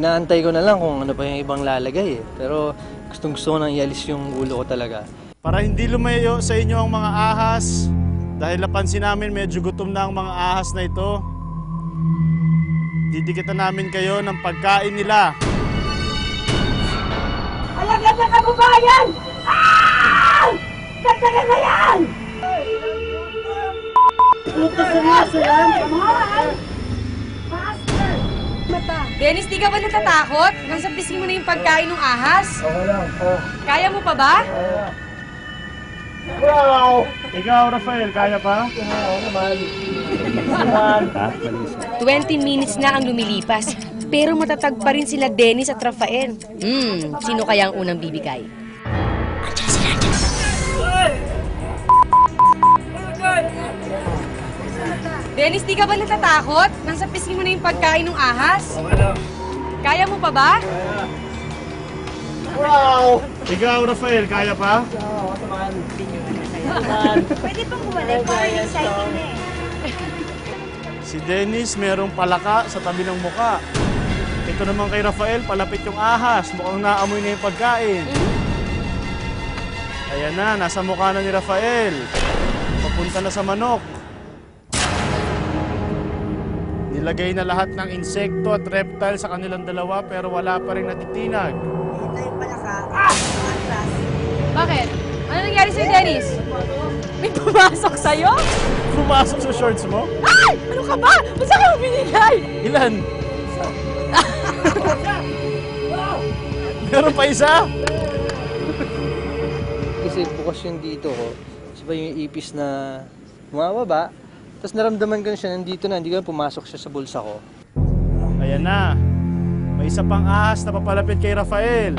Inaantay ko na lang kung ano pa yung ibang lalagay eh. Pero gustong gusto ko nang ialis yung ulo ko talaga. Para hindi lumayo sa inyo ang mga ahas, dahil napansin namin medyo gutom na ang mga ahas na ito, didikitan namin kayo ng pagkain nila. Alaga sa kabubayan! Ah! Katagal na yan! Ito seryoso yan? Dennis, di ka ba natatakot? Nang sapisin mo na yung pagkain ng ahas? Okay lang. Kaya mo pa ba? Wow! Ikaw, Rafael, kaya pa? 20 minutes na ang lumilipas, pero matatag pa rin sila Dennis at Rafael. Sino kaya ang unang bibigay? Dennis, di ka ba natatakot? Nang sapisin mo na yung pagkain ng ahas? Okay lang. Kaya mo pa ba? Wow! Ikaw, Rafael, kaya pa? Pwede pang bumalik para exciting na eh. Si Dennis merong palaka sa tabi ng muka. Ito naman kay Rafael, palapit yung ahas. Mukhang naamoy na yung pagkain. Ayan na, nasa mukha na ni Rafael. Papunta na sa manok. Nilagay na lahat ng insekto at reptile sa kanilang dalawa pero wala pa rin natitinag. Ito yung palaka. Atlas. Bakit? Ano nangyari sa'yo, Dennis? May pumasok sa'yo? Pumasok sa shorts mo? Ay! Ano ka ba? Basta ka binigay? Ilan? Meron pa isa? Kasi bukas yung dito ko. Kasi ba yung ipis na bumababa. Tapos naramdaman ko na siya nandito na. Hindi ko na pumasok siya sa bulsa ko. Ayan na. May isa pang ahas na papalapit kay Rafael.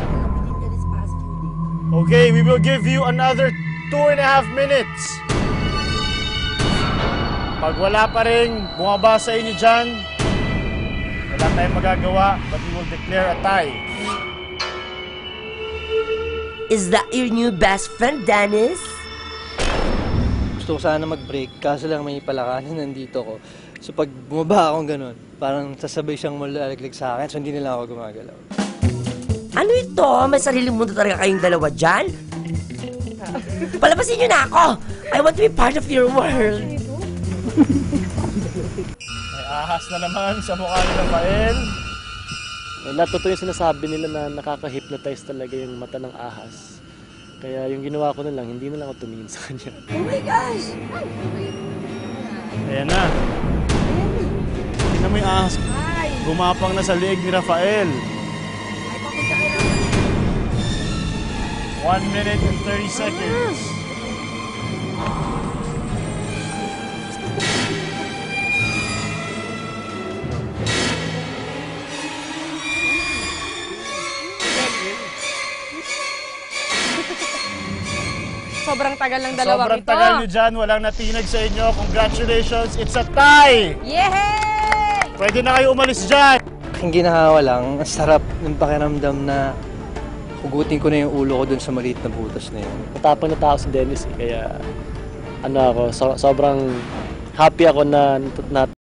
Okay, we will give you another 2.5 minutes. Pag wala pa rin bumaba sa inyo dyan, wala tayong magagawa, but we will declare a tie. Is that your new best friend, Dennis? Gusto ko sana mag-break. Kaso lang may palakanin nandito ko. So pag bumaba akong ganun, parang sasabay siyang malalaglag sa akin. So hindi nila ako gumagalaw. Ano ito? May sariling mundo talaga kayong dalawa dyan? Palabasin niyo na ako! I want to be part of your world! May ahas na naman sa mukha ni Rafael. Wala, totoo yung sinasabi nila na nakaka-hypnotize talaga yung mata ng ahas. Kaya yung ginawa ko na lang, hindi na lang ako tumingin sa kanya. Oh my gosh! Ayan na. Tingnan mo yung ahas. Gumapang na sa leeg ni Rafael. 1 minute and 30 seconds. Sobrang tagal ng dalawang Sobrang ito. tagal nyo dyan. Walang natinag sa inyo. Congratulations. It's a tie! Yehey! Pwede na kayo umalis dyan. Yung ginahawa lang, ang sarap ng pakiramdam na hugutin ko na yung ulo ko dun sa maliit na butas na yun. Matapang na tao si Dennis eh, kaya ano ako, sobrang happy ako na